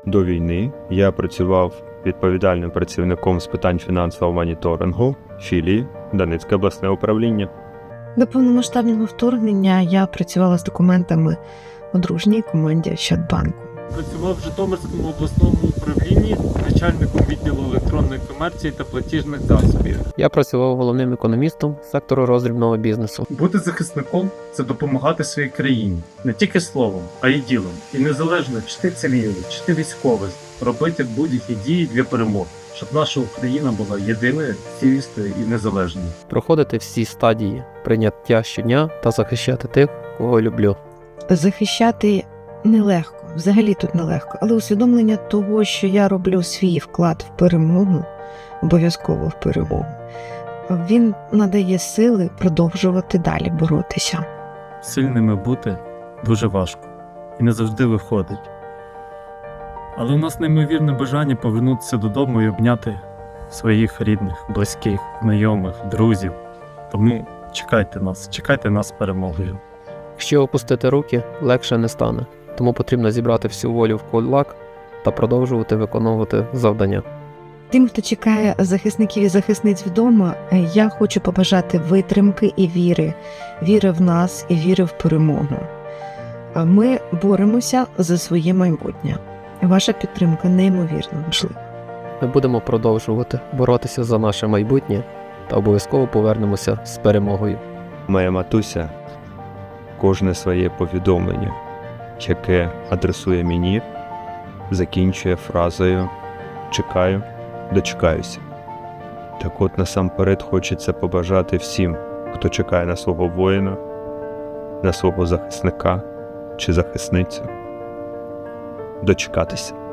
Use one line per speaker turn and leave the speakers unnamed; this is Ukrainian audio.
До війни я працював відповідальним працівником з питань фінансового моніторингу філії Донецьке обласне управління.
До повномасштабного вторгнення я працювала з документами у дружній команді Ощадбанку.
Працював в Житомирському обласному управлінні начальником відділу електронної комерції та платіжних засобів.
Я працював головним економістом сектору роздрібного бізнесу.
Бути захисником – це допомагати своїй країні. Не тільки словом, а й ділом. І незалежно, чи ти цивільний, чи ти військовий, робити будь-які дії для перемоги, щоб наша Україна була єдиною, цілісною і незалежною.
Проходити всі стадії прийняття щодня та захищати тих, кого люблю.
Захищати нелегко, взагалі тут нелегко, але усвідомлення того, що я роблю свій вклад в перемогу, обов'язково в перемогу, він надає сили продовжувати далі боротися.
Сильними бути дуже важко і не завжди виходить. Але у нас неймовірне бажання повернутися додому і обняти своїх рідних, близьких, знайомих, друзів. Тому чекайте нас з перемогою.
Якщо опустити руки, легше не стане. Тому потрібно зібрати всю волю в кулак та продовжувати виконувати завдання.
Тим, хто чекає захисників і захисниць вдома, я хочу побажати витримки і віри в нас і віри в перемогу. Ми боремося за своє майбутнє. Ваша підтримка неймовірно важлива.
Ми будемо продовжувати боротися за наше майбутнє та обов'язково повернемося з перемогою.
Моя матуся кожне своє повідомлення, яке адресує мені, закінчує фразою «Чекаю, дочекаюся». Так от насамперед хочеться побажати всім, хто чекає на свого воїна, на свого захисника чи захисницю, дочекатися.